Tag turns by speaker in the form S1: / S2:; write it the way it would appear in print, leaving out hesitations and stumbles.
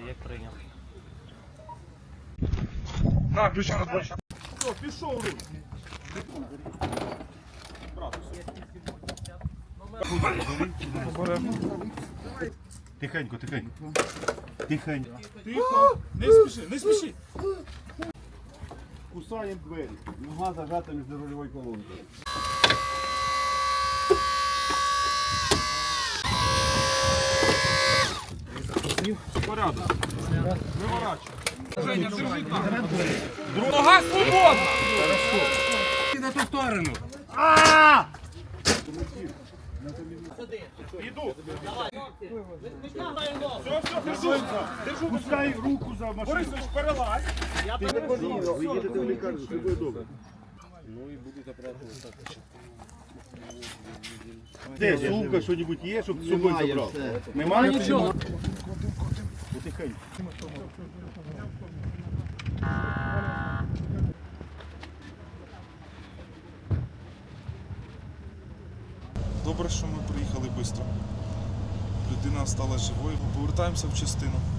S1: Як прийняв.
S2: На, ключа на плащ. Все, пішов руч.
S3: Тихенько, тихенько. Тихенько.
S2: Тихо. Не спіши, не спіши.
S3: Кусаємо двері. Нога зажата між рульовою колонкою.
S2: Порядок. Виворачуй. Женя, держи там. Нога свободна.
S3: На ту сторону.
S2: Іду. Все, держу. Держу.
S3: Пускай руку за машину.
S2: Борисович, перелазь.
S3: Ви їдете в лікарню, все буде добре. Де, сумка, що-небудь є, щоб з собою забрав? Немає нічого? Потихеньку.
S4: Добре, що ми приїхали швидко. Людина стала живою. Повертаємося в частину.